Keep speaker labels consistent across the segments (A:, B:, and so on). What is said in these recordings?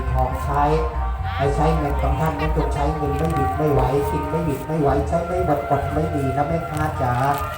A: ของใช้ไม่ใช้เงินของท่านนั้นจงใช้เงินไม่หยุดไม่ไหวกินไม่หยุดไม่ไหวใช้ไม่หมดอดไม่ดีนะแม่ค้าจ๋า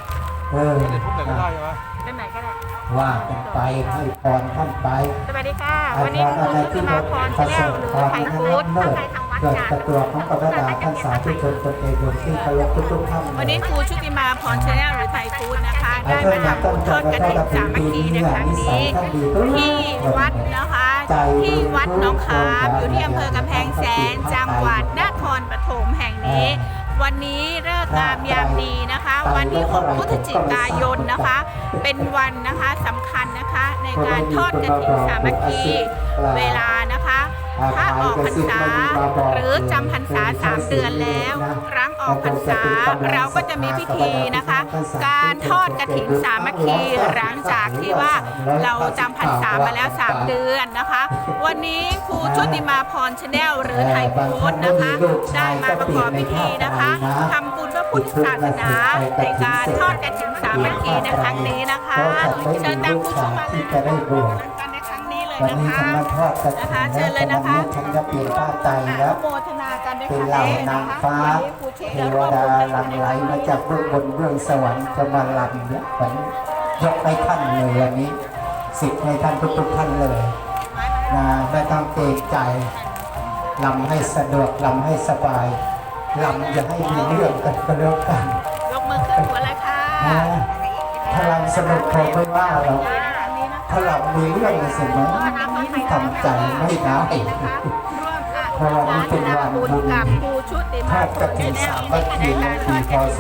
B: เป็นไหนก็ได้
A: ว่ากันไปให้พรท่านไป
B: สวัสดีค่ะวันนี้คุณชุติมาพรชาแนลหรือไทยฟู้ดท่านไทยทางวัด
A: เกิดกระตัวของพระดาท่านสาธุชนคนเอกที่เคารพทุกท่าน
B: วันนี้ครูชุติมาพรชาแนลหรือไทยฟู้ดนะคะได้มาทำบุญทอดกฐินสามัคคีในครั้งนี้ที่วัดนะคะที่วัดหนองขามอยู่ที่อำเภอกำแพงแสนจังหวัดนครปฐมแห่งนี้วันนี้เลิกงามยามดีนะคะวันที่6 พฤศจิกายนนะคะเป็นวันนะคะสำคัญนะคะในการทอดกฐินสามัคคีเวลานะคะถ้าออกพรรษาหรือจำพรรษา3 เดือนแล้วครั้งออกพรรษาเราก็จะมีพิธีนะคะการทอดกฐินสามัคคีหลังจากที่ว่าเราจำพรรษามาแล้ว3 เดือนนะคะวันนี้ครูชุติมาพรชาแนลหรือไทยฟู้ดนะคะได้มาประกอบพิธีนะคะทำบุญพระพุทธศาสนาในการทอดกฐินสามัคคีในครั้งนี้นะคะเชิญตามผู้ชมมาเลยกันในครั้งนี้เลยนะคะเชิญเลยนะคะ
A: ฉันจะเปลี่ยนผ้าใจแล้ว
B: โมทนากันในค
A: เป็น
B: รั้ง
A: เหล่า
B: นี้
A: นา
B: นะ
A: ง
B: คะ
A: ฟ้าเทวดาหลั่งไหลมาจากเบื้องบนเบื้องสวรรค์จะมาลำเนี่ยผมยกให้ท่านเลยวันนี้สิทธิ์ให้ท่านทุกท่านเลยนะไม่ต้องเกรงใจลำให้สะดวกลำให้สบายลำอย่าให้มีเรื่องกันก็แล้วกัน
B: ยกมือขึ้นหัวเลยค่ะ
A: ถ้าลำสนุกคงไม่ว่าหรอกถ้าลำมีเรื่องเสมอทำใจไม่ได้เพราะวันนี้เป็นวันบุญทอดกฐินสามัคคีในปีพ.ศ.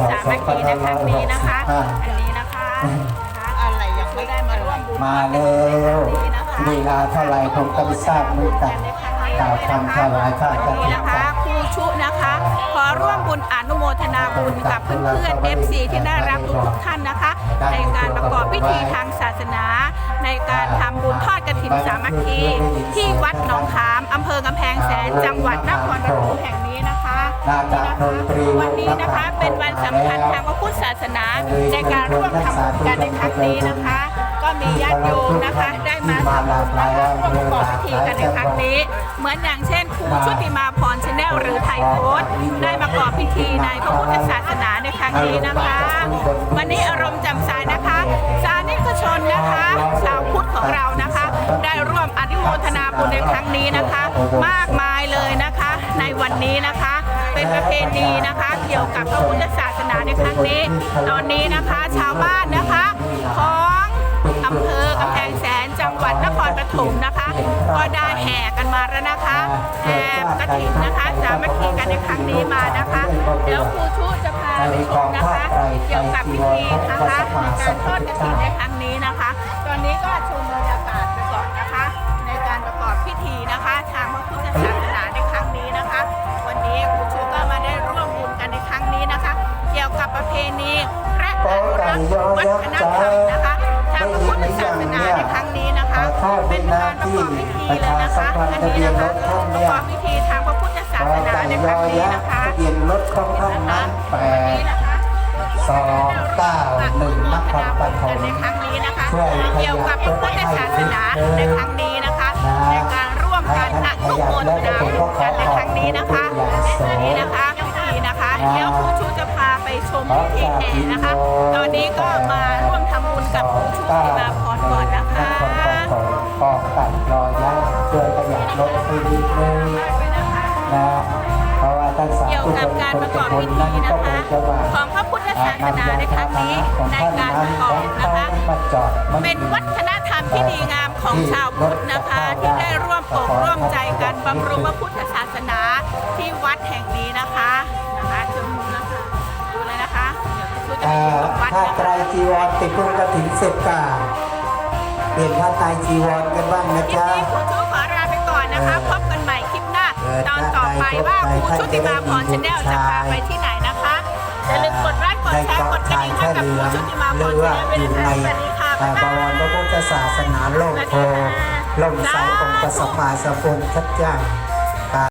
A: 2565
B: อันนี้นะคะอะไรยังไม่ได้มาร่วมบุญ
A: มาแล้วเวลาเท่าไรผมก็ไม่ทราบเหมือนกันกล่าวคำถวายผ้ากฐิน
B: นะคะครูชุนะคะขอร่วมบุญอนุโมทนาบุญกับเพื่อนๆ FC ที่น่ารักทุกท่านนะคะในการประกอบพิธีทางศาสนาในการทำบุญทอดกฐินสามัคคีที่วัดหนองขามอำเภอกำแพงแสนจังหวัดนครปฐมแห่งนี้นะคะวันนี้นะคะเป็นวันสำคัญทางพระพุทธศาสนาในการร่วมทำบุญกันในครั้งนี้นะคะก็มีญาติโยมนะคะได้มาทำบุญนะคะร่วมประกอบพิธีกันในครั้งนี้เหมือนอย่างเช่นครูชุติมาพรชาแนลหรือไทยโพสต์ได้ประกอบพิธีในพระพุทธศาสนาในครั้งนี้นะคะวันนี้อารมณ์แจ่มใสนะคะสาธุชนนะคะชาวพุทธของเรานะคะได้ร่วมอนุโมทนาบุญในครั้งนี้นะคะมากมายเลยนะคะในวันนี้นะคะเป็นประเพณีนะคะเกี่ยวกับพระพุทธศาสนาในครั้งนี้ตอนนี้นะคะชาวบ้านนะคะของอำเภอกำแพงแสนจังหวัดนครปฐมนะคะก็ได้แห่กันมาแล้วนะคะแห่กฐินนะคะสามัคคีกันในครั้งนี้มานะคะเดี๋ยวครูชุจะพาไปชมนะคะเกี่ยวกับพิธีนะคะในการทอดกฐินในครั้งนี้นะคะตอนนี้ก็ชมบรรยากาศไปก่อนนะคะในการประกอบพิธีนะคะทางพระพุทธศาสนาในครั้งนี้นะคะวันนี้ครูชุก็มาได้ร่วมบุญกันในครั้งนี้นะคะเกี่ยวกับประเพณีและอนุรักษ์วัฒนธรรมนะคะทางพระพุทธศาสนาในครั้งนี้นะคะเป็นการประกอบพิธีเลยนะคะอันนี้นะคะประกอบพิธีทางพระพุทธศาสนาในครั้งนี้นะคะ
A: เปลี่ยนรถของท่านนั้น8-2-9-1 นครปฐม
B: ในครั้งนี้นะคะเกี่ยวกับพระพุทธศาสนาในครั้งนี้นะคะในการร่วมกันอนุโมทนาบุญกันในครั้งนี้นะคะนี่นะคะพิธีนะคะเดี๋ยวครูชูจะพาไปชมพิธีแห่นะคะตอนนี้ก็มาร่วมทำบุญกับครูชูติมาพรก่อนนะคะ
A: ปอกตัดรอยักษ์ช่วยประหยัดรถไปนิดนึงนะเพราะว่าท่านสาธุชนคนจะคนนั้นก็คงจะว่า
B: ของพระพุทธศาสนาในครั้งนี้ในการประกอบนะคะเป็นวัฒนธรรมที่ดีงามของชาวพุทธนะคะที่ได้ร่วมอกร่วมใจกันบำรุงพระพุทธศาสนาที่วัดแห่งนี้นะคะชมนะคะดูเลยนะคะ
A: ถ้าไตรจีวรติดพุทธกฐินเสร็จก่าเปลี่ยนผ้าไตรจีวรกันบ้างนะจ๊ะ
B: ครูชูขอลาไปก่อนนะคะพบกันใหม่คลิปหน้าตอนต่อไปว่าครูชุติมาพรชาแนลจะพาไปที่ไหนนะคะอย่าลืมกดไลค์กดแชร์กดกระดิ่งให้กับครูชุติมาพรชาแนลด้วยนะคะสวัสดีค่ะ
A: บวรพระพุทธศาสนาโลกโพล่มใสองค์พระสัมมาสัมพุทธเจ้า